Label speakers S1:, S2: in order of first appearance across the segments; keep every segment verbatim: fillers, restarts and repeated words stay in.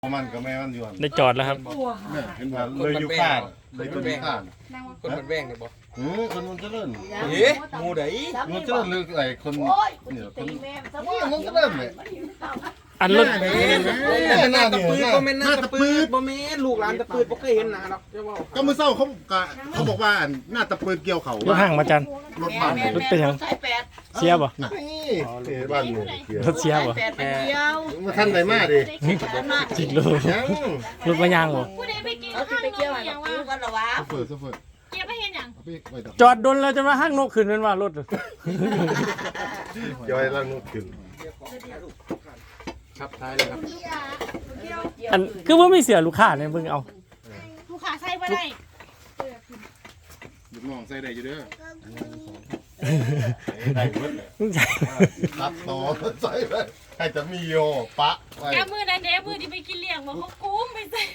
S1: มันก็แม่มันอยู่
S2: ได้จอดแล้วครับ
S1: เนี่ยเห็นว่าเลยอยู่ข้างเลยตัวนี้ข้าง
S3: คนมันแว่งเลยบ่
S1: เออคนมันเจริญ
S3: เอ๊ะงูได
S1: มันเจริญเลยไอ้คนเนี่ยคนนี่มันเจริญเลย
S2: อันรถ
S3: แม่หน้าตะปืดบ่แม่นหน้าตะปืดบ่แม่นลูกหลานตะปืดบ่เคยเห็นหน้าหรอก
S1: ก็เมื่อเช้าเขาเขาบอกว่าหน้าตะปืดเกี่ยวเขา
S2: รถห่างมาจัน
S1: รถบ้าน
S2: รถเป็นยังเสียบ่
S1: นี่บ้านนี่
S2: รถเสียบ่
S1: มาท่านไหนมาดิ
S2: จิกเลยรถมายางบ่
S4: ผู้ใดไปกินข้างนกอย่างว่า
S1: เฟิร์สเฟิร์ส
S4: เก็บไปเห็นอย่าง
S2: จอดดนแล้วจะมาห้างนกขึ้นเป็นว่ารถ
S1: ย่อยแล้วนกขึ้น
S3: ครับท้ายเลยครับ
S2: อันคือว่าไม่เสียลูกค้าเนี่ยมึงเอา
S4: ลูกค้าใส่บ่ได้
S1: ลูกน้องใส่ได้อยู่เด้อได้หมดเลยตัดต่อใส่ไปให้จะมีโยปะ
S4: แกมือนั่นเด้มือที่ไปกินเลี้ยงบ่เขากุ้มไปใส่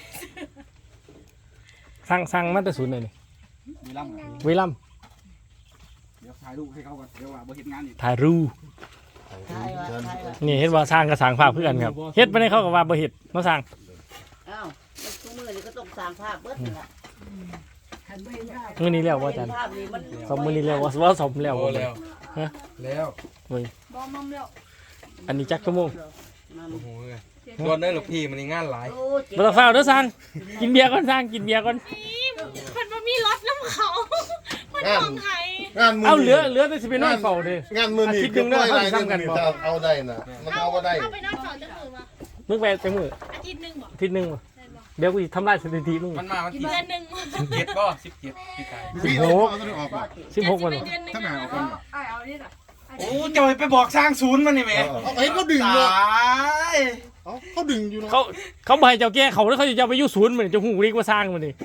S2: สั่งสั่งมาแต่ศูนย์เลยนี่
S3: วิลัม
S2: วิลัม
S3: เดี๋ยวถ่ายรูปให้เขาก่อนเดี๋ยวว่าบ่เฮ็ดงานอีก
S2: ถ่ายรูปนี่เฮ็ดว่าสร้างกับสร้างภาพเพื่อนครับเฮ็ดไปได้เขากับว่าบ่เฮ็ดมาสร้าง
S5: อ้าวทุกมื้อนี่ก็ต้องสร้างภาพเบิดนี่ล่ะ
S2: มื้อนี้แล้วว่าจันสมมื้อนี้แล้วว่าว่าสมแล้วบ่แล้วฮะ
S3: แล้ว
S2: เฮ้ย
S4: บ่มอมแล้ว
S2: อันนี้จักชั่วโมง
S3: โอ้โหส่วนได้หรอพี่มันงานหลาย
S2: บ่ต้องเฝ้าเด้อสร้างกินเบียร์ก่อนสร้างกินเบียร์ก่อน
S4: เพิ่นบ่มีรถนำเขาเพิ่นของไผ
S1: งานมื้อ
S2: เอาเหลือเหลือแต่สิไปนอนเฝ้าเด้
S1: งานมื้อนี้คิดนึงเด้อเฮาสิซ้ำกันบ่เอาได้น่ะมันเอาบ่ได้
S4: เอาไปนอนสอนจังมื้อบ่
S2: มึงไปจังมื้อ
S4: อาทิตย์นึงบ่
S2: อาทิตย์นึงบ่เดี๋ยวกูสิทำลายสถิติมึง
S3: มันมาวันที่
S4: เดือนนึง
S3: สิบเจ็ดบ่สิบเจ็ดพี่ชาย
S2: สิบหกสิบหกวัน
S1: ถ้าหนาออกกัน
S4: อ้ายเอานี่ล่ะ
S3: โอ้จะไปบอกสร้างศูนย์มันนี่แม่
S1: เอาเห็นเขาดึงเนาะเอ้าเขาดึงอยู่เนาะ
S2: เขาเขาบ่ให้เจ้าแก้เขาแล้วเขาจะเอาไปอยู่ศูนย์มันจะฮู้ดีกว่าสร้างมันนี่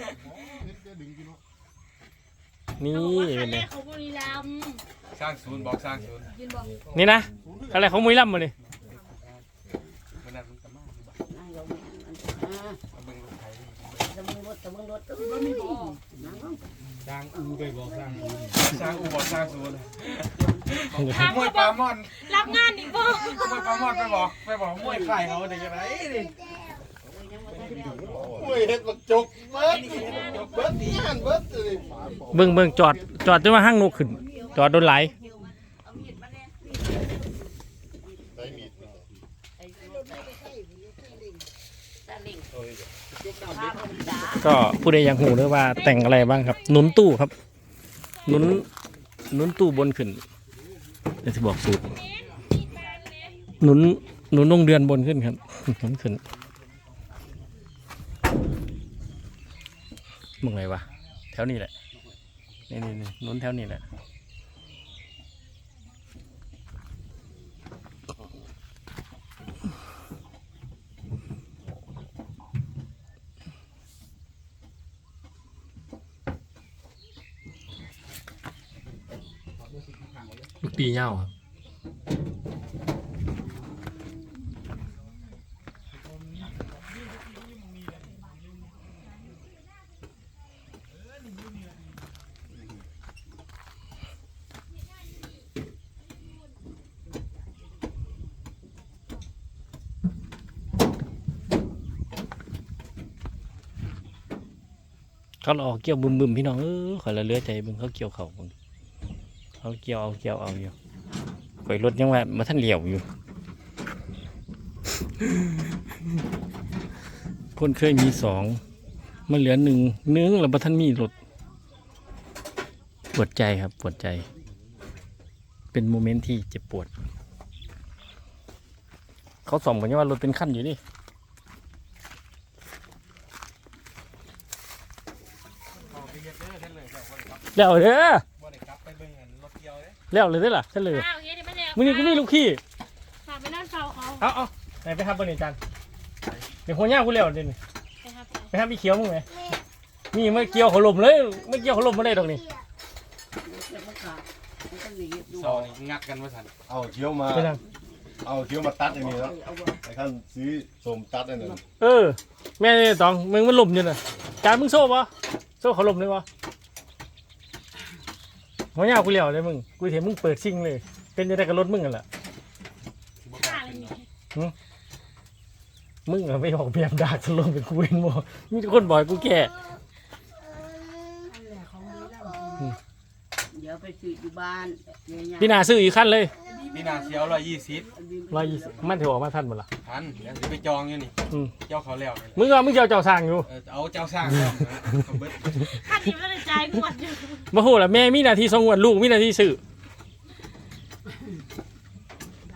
S2: นี่เป็นไง
S4: เขาบุรีรัมย์
S3: สร้างศูนย์บอกสร้างศูนย์
S2: นี่นะอะไรของมุ้ยล่ำมาเลย
S3: สร้างอูไปบอกสร้างศูนย์สร้างอูบอกสร้างศูนย์มวยปลามอน
S4: รับงานอีกบ่
S3: มวยปลามอนไปบอกไปบอกมวยไข่เขาเด็กอะไรดิ
S1: มวยเฮ็ดบักจกเบิดเบิดงานเบิดเลย
S2: เบิ่งเบิ่งจอดจอดจนมาห้างนกขึ้นจอดโดนไหลก็ผู้ใดอยากหูด้วยว่าแต่งอะไรบ้างครับหนุนตู้ครับหนุนหนุนตู้บนขึ้นเดี๋ยวจะบอกสูตรหนุนหนุนลงเดือนบนขึ้นครับหนุนขึ้นมึงไงวะแถวนี้แหละนี่นี่นี่หนุนแถวนี้แหละลูกปีเง่าครับเขาออกเกี่ยวบึมบึมพี่น้องเออขอละเลือใจบึงเขาเกี่ยวเขาบึงเขาเกี่ยวเอาเกี่ยวเอาอยู่ข่อยรถยังว่ามาท่านเหลี่ยวอยู่คนเคยมีสองมันเหลือหนึ่งเนื้อแล้วมาท่านมีรถปวดใจครับปวดใจเป็นโมเมนต์ที่เจ็บปวดเขาส่องกันว่ารถเป็นขั้นอยู่นี่แล้วเด้อแล้วเลยได้ล่ะฉันเลยมึงนี่กูมีลูกขี้
S4: ฝากไปนั่นเฝ้าเขา
S2: เอาเอาไหนไปทับบนนี่จันเดี๋ยวหัวหน้ากูเลี้ยวเดี๋ยวนี้ไปทับพี่เขียวมึงไหมนี่ไม่เกี่ยวขลุ่มเลยไม่เกี่ยวขลุ่มมาเลยตรงนี้
S3: ซอนี่งัดกันมาทัน
S1: เอาเขียวมาเอาเขียวมาตัดอย่างนี้แล้วไอ้ขั้นซื้อสมตัดอันนั้น
S2: เออแม่ตองมึงมันหลุ่มอยู่น่ะจานมึงโซ่ปะโซ่ขลุ่มเลยวะหัวหน้ากูเลี้ยวเลยมึงกูเห็นมึงเปิดซิงเลยเป็นยังไงกับรถมึงกันล่ะมึงอะไม่ออกแบบดากสลงเป็นกูเองบ่มีแต่คนบอกให้กูแก่
S5: เดี๋ยวไปซื้ออยู่บ้านเนี่ย
S2: พี่นาซื้ออีกขั้นเลย
S3: พี่นาเชียวร้อยยี่สิบ
S2: ร้อยยี่สิบมันถือออกมาทันหมดละ
S3: พันเดี๋ยวจะไปจองอยู่นี่
S2: อืม
S3: เจ้าเขาแล้วนี่
S2: มึงเอามึงจะเอาเจ้าสร้างอยู่
S3: เออเอาเจ้าสร้างแล้วนะเอาเบิด
S4: คันนี้ไม่ได้ใจายกวดอยู่
S2: มาโหละแม่มีหน้าที่ส่งงวดลูกมีหน้าที่ซื้อ